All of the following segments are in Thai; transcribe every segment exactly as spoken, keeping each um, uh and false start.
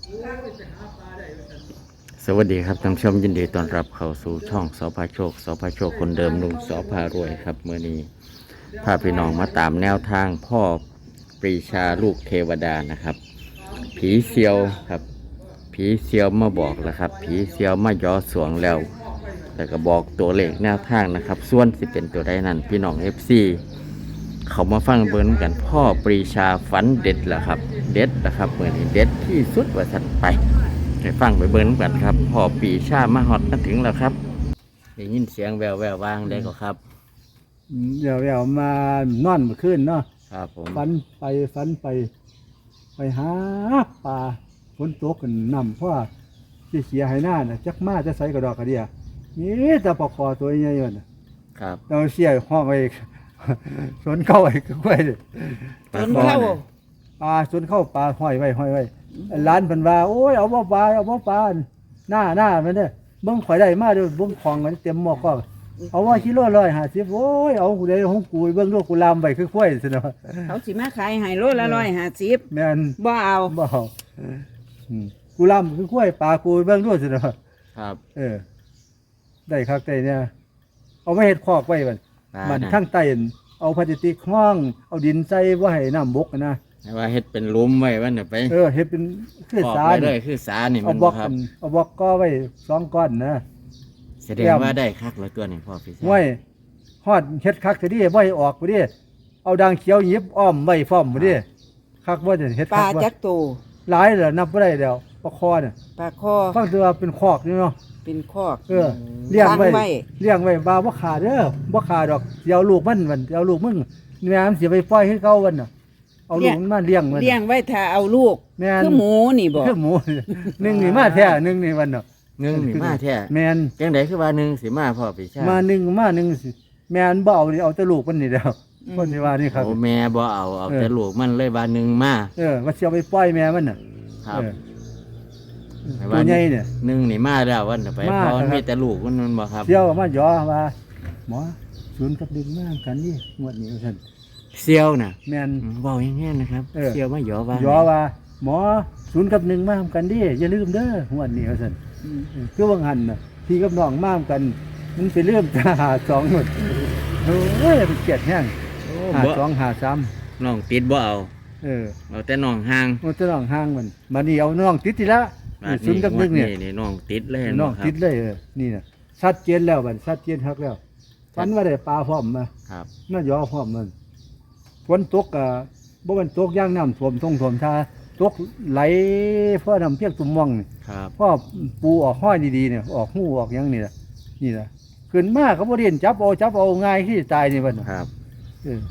สวัสดีครับท่านผู้ชมยินดีต้อนรับเข้าสู่ช่องสพโชคสพโชคคนเดิมลุงสพารวยครับเมื่อนี้พาพี่น้องมาตามแนวทางพ่อปรีชาลูกเทวดานะครับ ผีเซียวครับผีเซียวมาบอกแล้วครับ ผีเซียวมาย่อสวงแล้วแต่ก็บอกตัวเลขแนวทางนะครับ ส่วนสิเป็นตัวใดนั้นพี่น้อง เอฟ ซี เขามาฟังเบิ้งกันพ่อปรีชาฝันเด็ดแหละครับ เด็ดนะครับเมื่อนี้เด็ดที่สุดว่าสันไปไปฟังไปเบิ้งกันครับพ่อปรีชามาฮอดมาถึงแล้วครับได้ยินเสียงแววแวววางได้ก็ครับเดี๋ยวเดี๋ยวมานอนเมื่อคืนเนาะครับผมฝันไปฝันไป ไปหาปลาฝนตกกันนำเพราะว่าที่เสียให้หน้าน่ะจักมาจะใส่กระดอกกระเดียนี่แต่ปลาคอตัวใหญ่ๆน่ะครับเราเสียห้องไว้ สวนเข้าไว้ก็ไว้เลยปลาจนคอเข้าน่ะปลาสวนเข้าปลาห้อยไว้ห้อยไว้ร้านเพิ่นว่าโอ้ยเอาบ่ปลาเอาบ่ปลาหน้าหน้ามันเด้อเบิ่งข่อยได้มาเด้อเบิ่งของมันเต็มหม้อข้อเอาว่ากิโลร้อยห้าสิบโอ้ยเอากูได้ของกูเบิ่งลูกกูลามไว้คือข้อยซั่นเนาะเขาสิมาขายให้โลละร้อยห้าสิบแม่นบ่เอาบ่เอาอืมกูลำคือกล้วยปลากูเบิ่งด้วยสิเนาะครับเออ ได้คักได้เนี่ยเอาไว้เฮ็ดคอกไว้บัดปลามันน่ะทั้งใต้นั่นเอาพลาสติกห้อง เอาดินใส่บ่ให้น้ำบกอะนะให้ว่าเฮ็ดเป็นหลุมไว้ว่าเนี่ยไปเออเฮ็ดเป็นคือขอบสาไว้นเลยคือสานี่เอามันบบ่ล็อกครักับ นเอาบล็อกก็ไว้สองก้อนนะแสดงว่าได้คักแล้วตัวนี้พ่อปรีชาไว้ฮอดเฮ็ดคักซะดิบ่ให้ออกบ่ดิเอาดังเขียวหยิบอ้อมไว้พร้อมบ่ดิคักบ่จะเฮ็ดปคัลากบ่จักโตหลายเหรอนับบ่ได้แล้วปลาคอน่ะปลาคอฟังตัวาเป็นคอกนี่เนาะเป็นคอกเออเลี้ยงไว้ฟังไว้เลี้ยงไว้บ่าบ่ขาดเด้อบ่ขาดดอกสิเอาลูกมันมันสิเอาลูกมึงแม่มันสิไปปล่อยให้เก่ามันน่ะเอาลูกมันมาเลี้ยงมันเลี้ยงไว้ถ้าเอาลูกแม่นคือหมูนี่บ่คือหมู หนึ่งนี่มาแท้หนึ่งนี่วันเนาะหนึ่งนี่มาแท้แม่นจังไดคือว่าหนึ่งสิมาพ่อปรีชามาหนึ่งมาหนึ่งสิแม่นบ่เอานี่เอาแต่ลูกมันนี่แล้วคนที่ว่านี่ครับโอ้แม่บ่เอาเอาเออแต่ลูกมันเลยว่าหนึ่งมาเออว่าสิเอาไปปล่อยแม่มันน่ะครับเออให้ตัวใหญ่เนี่ยหนึ่งนี่มาแล้ววันต่อไปมาเพราะมันครับมีแต่ลูกมันมันบ่ครับเที่ยวมาหยอว่าหมอศูนย์กับดึงมากันนี่งวดนี้ว่าซั่นเซียวน่ะแม่นอืมเว้าอย่างงี้นะครับเออเซียวมาหยอว่าหยอว่าหมอศูนย์กับหนึ่งมาทำกันดิอย่าลืมเด้องวดนี้ว่าซั่นอืมคือว่างหันน่ะพี่กับน้องมามกัน มันไปเริ่มจะหาสองหมดโอ้ยเป็นเกียดแห้งโอ้หาบ่สองหาสามน้องติดบ่เอาเออเอาแต่น้องห่างมันจะน้องห่างมันมานี่เอาน้องติดทีละบาดศูนย์กับหนึ่งเนี่ยนี่น้องติดเลยน้องบ่ครับติดเลยเออนี่น่ะชัดเจนแล้วบัดชัดเจนคักแล้วฟันว่าได้ปลาพร้อมมาครับน่ายอพร้อมมันฝนตกอ่ะบ่แมันตกย่างน้ำท่วมทงท่วมทาตกไหลเพราะน้ำเพียงตุ่มม่องนี่ครับพ่อปูออกห้อยดีๆเนี่ยออกหูออกหยังนี่ล่ะนี่ล่ะขึ้นมาเขาบ่เรียนจับเอาจับเอาง่ายที่ตายนี่บัดน่ะครับเออ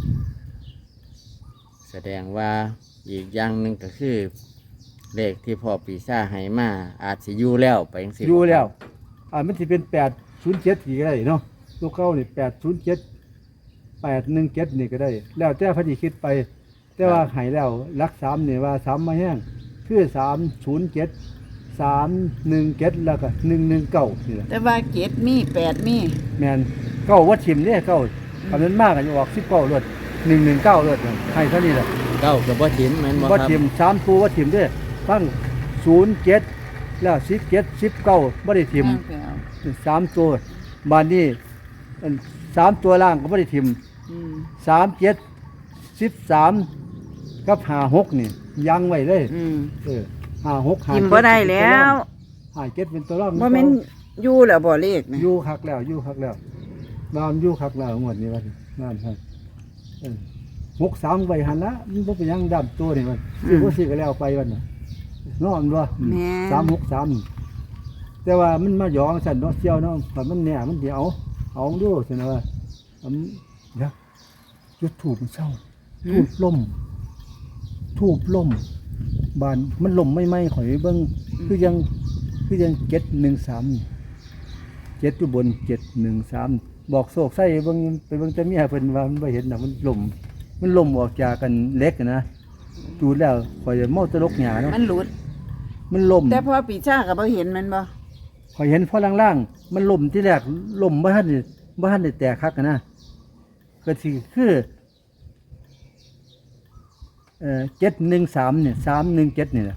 แสดงว่าอีกอย่างหนึงก็คือเลขที่พ่อปีชาให้มาอาจสิอยู่แล้วไปจังซี่อยู่แล้ว อ่ามันสิเป็นแปดศูนย์เจ็ดกี่ก็ได้เนาะตัวเก้านี่แปดศูนย์เจ็ดแปดหนึ่งเจ็ดนี่ก็ได้ แล้วแต่พอดีคิดไป แต่ว่าใหายแล้วรักสามนี่ว่าสามมาแห้งคือสามศูนย์เจ็ดสามหนึ่งเจ็ดแล้วก็หนึ่งหนึ่งเก้านี่แหละแต่ว่าเจ็ดมีแปดมีแมนเก้าวัดชิมเนี่ยเก้าคำนั้นมากกันออกสิบเก้ารถหนึ่งหนึ่งเก้ารถให้เท่านี้แหละเก้ากับบ่ถินแม่นบ่วัดครับชิมสามตัววัดชิมด้วยฟังศูนย์เจ็ดแล้วสิบเจ็ดสิบเก้าบ่ได้ทิมเอาไปเอาสามตัวบานนี้อันสามตัวล่างก็ไม่ได้ทิมอืมสามเจ็ดสิบสามกับหาหกนี่ยังไว้เลยอืมเออหาหกหากินเจ็บ่ได้แล้วหาเจ็ดเป็นตัวร่องบ่แม่นอยู่แล้วบ่เลขนะอยู่คักแล้วอยู่คักแล้วบ้านอยู่คักแล้วงวดนี้วันนั่นครับเออหกสามใบหันละมันบ่เป็นหยังดำตัวนี่มันซื้อบ่ซื้อก็แล้วไปวันน่ะนอนบ่แม่สามหกสามแต่ว่ามันมาหยองสันเนาะเชี่ยวเนาะแต่มันเนี่ยมันเดี๋ยวเอาดูสินะว่าอันเดี๋ยวจุดถูกมันเศร้าถูกล่มถูกล่มบานมันล่มไม่ไหมข่อยเบิ้งคือยังคือยังเจ็ดหนึ่งสามเจ็ดอยู่บนเจ็ดหนึ่งสามบอกโศกไส้เบิ้งไปเบิ้งแต่เมียเพิ่นว่ามันไม่เห็นนะมันล่มมันล่มออกจากกันเล็กนะดูแล้วข่อยจะเมาตะลกหยาเนาะมันหลุดมันล่มแต่พอปีชาก็บ่เห็นมันบ่ข่อยเห็นพอล่างๆมันล่มที่แรกล่มบ่ทันได้บ่ทันได้แตกคักกันนะก็สิคือเอ่อเจ็ดหนึ่งสามเนี่ยสามหนึ่งเจ็ดนี่แหละ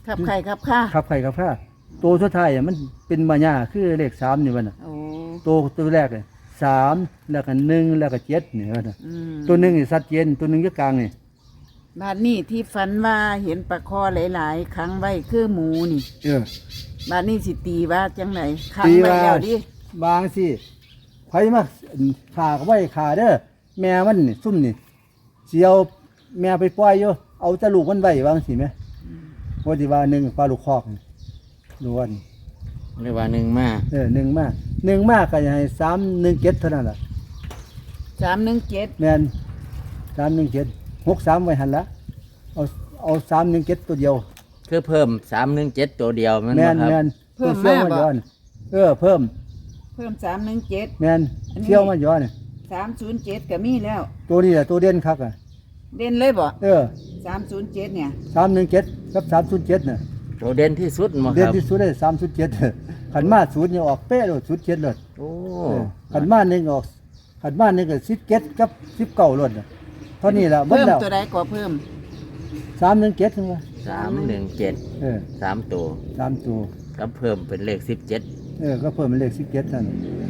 ขับไข่ขับข้าขับไข่ขับข้าตัวสุดท้ายอะมันเป็นมายาคือเลขสามนี่วันน่ะโอ้ตัวตัวแรกเลยสามแล้วก็หนึ่งแล้วก็เจ็ดนี่วันน่ะอืมตัวหนึ่งนี่สัดเจนตัวหนึ่งอยู่กลางนี่บ้านนี้ที่ฝันว่าเห็นปลาคอหลายๆครั้งไว้คือหมูนี่เออบ้านนี้สิตีว่าจังไหนครั้งตีไว้ว่าแล้วดิบางสิไผมาขาก็ไว้ขาเด้อแม่มันนี่ซุ่มนี่เสียวแม่ไปปล่อยอยู่เอาแตะลูกมันไว้วางสิแม่ว่าสิว่าหนึ่งปลาลูกคอกนี่ดูว่านี่เรียกว่าหนึ่งมาเออหนึ่งมาหนึ่งมาก็จะให้สามหนึ่งเจ็ดเท่านั้นล่ะสามหนึ่งเจ็ดแม่นสามหนึ่งเจ็ดหกสามไว้หันละเอาเอาสามหนึ่งเจ็ดตัวเดียวคือเพิ่มสามหนึ่งเจ็ดตัวเดียวแมันแม่บ่นครับแม่นเพิ่มเชี่ยวมามาบ่ย้อนเออเพิ่มเพิ่มสามหนึ่งเจ็ดแม่นอันนี้เชี่ยวมาย้อนสามศูนย์เจ็ดก็มีแล้วตัวนี้แหละตัวเด่นคักอ่ะเด่นเลยบ่เออสามศูนย์เจ็ดเนี่ยสามหนึ่งเจ็ดกับสามศูนย์เจ็ดน่ะตัวเด่นที่สุดบ่เด่คน รับที่สุดได้สามศูนย์เจ็ดขันมาศูนย์เนี่ยออกเป๊ะเลยศูนย์เจ็ดเลยโอ้ขันมาหนึ่งออกขันมาหนึ่งก็สิบเจ็ดกับสิบเก้าเลยเท่านี้แหละหมดเพิ่มแล้วตัวใดก็เพิ่มสามหนึ่งเจ็ดถึงว่าสามหนึ่งเจ็ดเออสามตัวสามตัวก็เพิ่มเป็นเลขสิบเจ็ดเออก็เพิ่มเป็นเลขสิบเจ็ดนั่น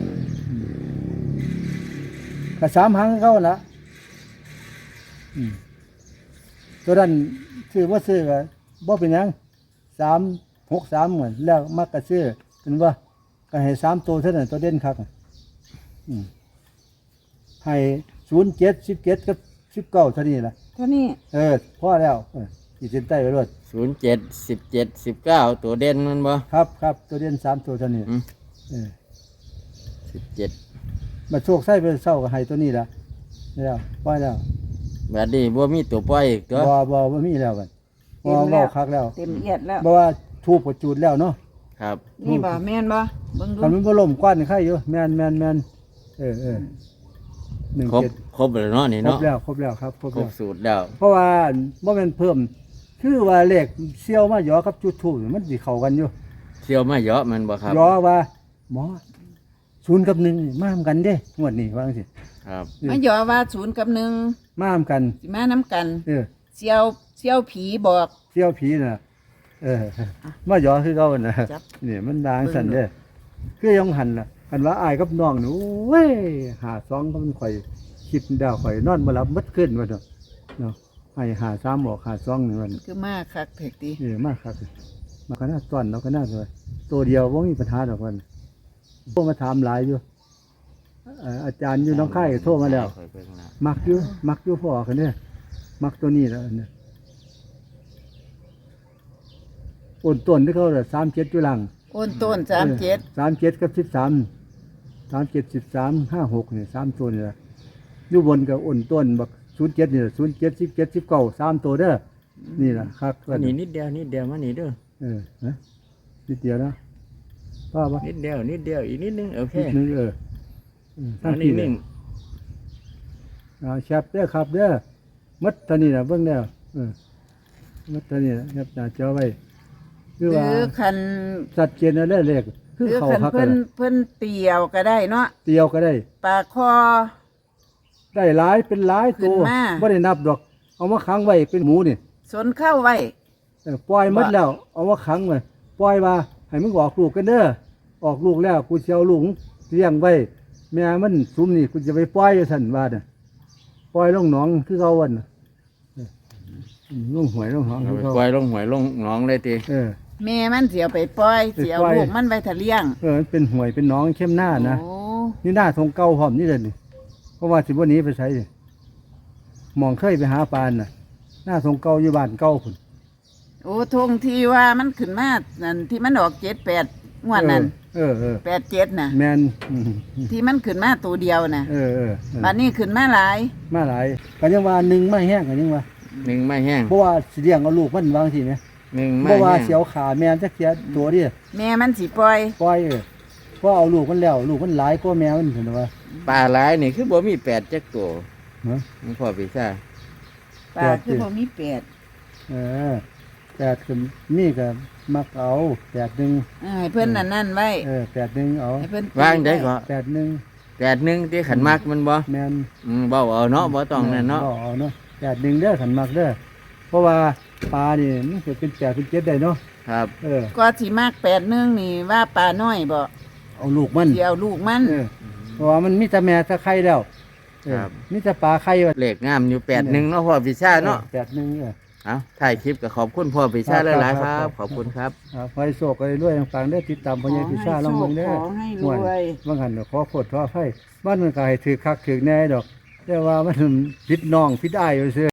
ก็สามหางเขาละอืมตัวนั้นซื้อว่าซื้อก็บ่เป็นหยังสามหกสามเหมือนแล้วมักก็ซื้อเป็นว่าก็ให้สามตัวเท่านั้นตัวเด่นคักอะอืมให้ศูนย์เจ็ดสิบเจ็ดกับสิบเก้าเท่านี้ละเท่านี้เออพอแล้วเออขีดเส้นใต้ไว้รวดศูนย์เจ็ดสิบเจ็ดสิบเก้าตัวเด่นแมันบ่ครับครับตัวเด่นสามตัวเท่านี้อืมเออสิบเจ็ดมาโชคไส้เป็นเศร้ากับให้ตัวนี้ละแล้วพอแล้วแบบนี้บ่มีตัวปล่อยอีกตัวบ่บ่บ่มีแล้วกันบ่เว้าคักแล้วเต็มเอียดแล้วบ่ว่าทูบก็จูดแล้วเนาะครับนี่บ่แม่นบ่เบิ่งดูคันมันบ่ล่มกว้านใครอยู่แม่นแม่นแม่นเออเออหนึ่งครบเจ็ดครบแล้วเนาะนี่ครบเนาะแล้วครบแล้วครับครบครแล้บวสูตรแล้วเพราะว่าบ่แม่นเพิ่ม คือว่าเลขเสี่ยวมาหยอกับจุดทูบมันสิเข้ากันอยู่เที่ยวมาเยอะแมันบ่ครับหยอว่าหมอศูนย์กับหนึ่งนี่มาทำกันเด้งวดนี้ว่าจังซี่ครับมาหยอว่าศูนย์กับหนึ่งมาทำกันสิมาน้ำกันเออเสี่ยวเสี่ยวผีบอกเสี่ยวผีน่ะเออมาหยอคือเก่าน่ะจับนี่มันดางสั่นเด้อคือยังหันล่ะคันว่าอายกับน้องนี่โอ้ยหาซองก็มันข่อยคิดดาวข่อยนอนบ่หลับหมดคืนว่าเนาะเนาะให้หาสามออกหาซองนี่มันคือมากคักเถิกดีเออมากครับมาก็น่าต้อนเราก็น่าเลยตัวเดียวว่ามีปัญหาดอกมันโทรมาถามหลายอยู่เอ่ออาจารย์อยู่น้องค่ายก็โทรมาแล้วค่อยเบิ่งนะมักอยู่มักอยู่พ่อกันเนี่ยมักตัวนี้แล้วเนี่ยโอนต้นที่เขาเลยสามเจ็ดอยู่หลังโอนต้นสามเจ็ดสามเจ็ดกับสิบสามสามเจ็ดสิบสามห้าหกเนี่ยสามตัวเนี่ยอยู่บนกับโอนต้นบักศูนย์เจ็ดเนี่ยศูนย์เจ็ดสิบเจ็ดสิบเก้าสามตัวเด้อนี่แหละครับอันนี้นิดเดียวนิดเดียวมานี่เด้อเออฮะนิดเดียวนะป้าปะนิดเดียวนิดเดียวอีกนิดนึงโอเคนิดนึงเออเอออันนี้นึงเอาแชปเด้อครับเด้อมัดเท่านี้นะเบิ่งแล้วเออมัดเท่านี้นะแคปหน้าจอไว้คือหว่ารือคันสัดเจนอะไรเลขหคือรือเขาคันพักกัเพิ่นนเพิ่นเตียวก็ได้เนาะเตียวก็ได้ปลาคอได้หลายเป็นหลายตัวขึ้นมาบ่ได้นับดอก เอามาขังไว้เป็นหมูนี่สนเข้าไว้เออปล่อยหมดแล้ว เอามาขังไว้ปล่อยว่าให้มึงออกลูกกันเด้อออกลูกแล้วกูสิเอาลูกเลี้ยงไว้แม่มันซุมนี่กูจะไปปล่อยอยู่ซั่นว่าน่ะปล่อยลงหนองคือเขาวันน่ะเออลงหวยลงหนองเอาคือไปเขาปล่อยลงหวยลงหนองเลยติเออแม่มันเสียไปปล่อยไปเสียปล่อยลูกมันไว้ทะเลี้ยงเออมันเป็นหวยเป็นหนองเข้มหน้านะโอ้นี่หน้าทงเก่าหอมนี่เลยนี่เพราะว่าสิบวันนี้ไปใช้นี่มองเคยไปหาปลานน่ะ หน้าทงเก่าอยู่บ้านเก่าพุ่นโอ้ทงที่ว่ามันขึ้นมานั่นที่มันออกเจ็ดแปดงวดนั้นเออเออแปดเจ็ดน่ะแมนอืมที่มันขึ้นมาตัวเดียวน่ะเออเออเออบัดนี้ขึ้นมาหลายมาหลายกันยังว่าหนึ่งไม่แห้งกันยังว่าหนึ่งไม่แห้งเพราะว่าสิเลี้ยงเอาลูกมันบางทีไหมหนึ่งไม่เพราะว่าแห้งเสียวขาแมนจักเสียตัวเดิแม่มันสิปล่อยปล่อยเออเพราะเอาลูกมันแล้ว ลูกมันหลายกว่าแมวมันเห็นไหมว่าปลาหลายนี่คือบ่มีแปดจักตัวเนาะมันพอพี่ซ่าปลาคือบ่มีแปดเออแปดคือนี่ก็มักเอาแปดหนึ่งเออให้เพิ่นนั่นนั่นไว้เออแปดหนึ่งเอาให้เพิ่นวางได้ก็แปดหนึ่งแปดหนึ่งที่ขันมักมันบ่แมนอืมบ่เอาเนาะบ่ต้องนั่นเนาะบ่เอาเนาะแปดหนึ่งเด้อขันมักเด้อราะว่าปลานี่มันเกิดเป็นแปดเป็นเจ็ดได้เนาะครับเออก็สิมากแปดหนึงนี่ว่าปลาน้อยบ่เอาลูกมันสิเอาลูกมันเออเพราะว่ามันมีแต่แม่แต่ไข่แล้วเออครับมีแต่ปลาไข่ว่าเลขงามอยู่แปดหนึ่งเนาะพ่อปีชาเนาะแปดหนึ่งเออเอาถ่ายคลิปก็ขอบคุณพ่อปีชาครับหลายๆคครัรับบขอบคุณครับอ่าไฟโศกอะไรด้วยต่างๆได้ติดตามพญาพิชาลองเบิ่งเด้อขอให้รวยบางหันก็ขอโคตรขอไฟบ้านมันก็ให้ถือคักถือแน่ดอก แต่ว่ามันพิดน้องพิดอ้ายอยู่ซื่อ